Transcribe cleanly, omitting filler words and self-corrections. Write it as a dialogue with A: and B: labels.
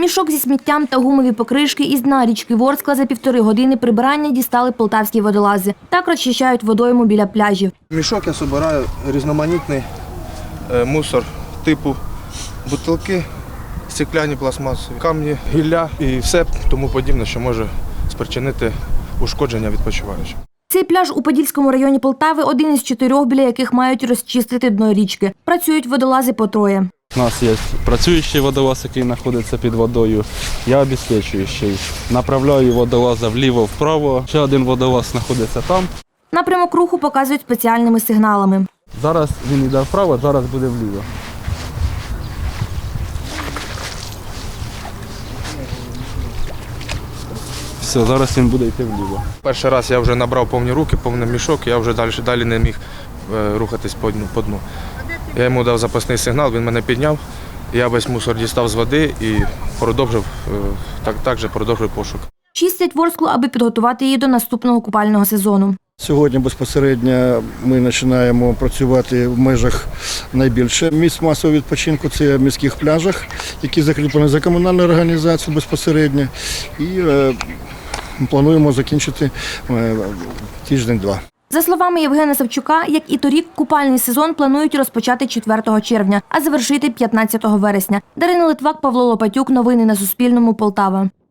A: Мішок зі сміттям та гумові покришки із дна річки Ворскла за 1,5 години прибирання дістали полтавські водолази. Так розчищають водойму біля пляжів.
B: Мішок я збираю різноманітний мусор типу бутилки, стекляні, пластмасові, камні, гілля і все тому подібне, що може спричинити ушкодження відпочиваючих.
A: Цей пляж у Подільському районі Полтави – один із 4, біля яких мають розчистити дно річки. Працюють водолази по 3.
C: У нас є працюючий водолаз, який знаходиться під водою. Я обезпечуючий. Направляю водолаза вліво-вправо. Ще один водолаз знаходиться там.
A: Напрямок руху показують спеціальними сигналами.
C: Зараз він йде вправо, зараз буде вліво. Все, зараз він буде йти вліво.
B: Перший раз я вже набрав повні руки, повний мішок, я вже далі не міг рухатись по дну. Я йому дав запасний сигнал, він мене підняв, я весь мусор дістав з води і продовжив пошук.
A: Чистять Ворсклу, аби підготувати її до наступного купального сезону.
D: Сьогодні безпосередньо ми починаємо працювати в межах найбільше місць масового відпочинку. Це в міських пляжах, які закріплені за комунальну організацію безпосередньо. І плануємо закінчити тиждень-два.
A: За словами Євгена Савчука, як і торік, купальний сезон планують розпочати 4 червня, а завершити 15 вересня. Дарина Литвак, Павло Лопатюк. Новини на Суспільному. Полтава.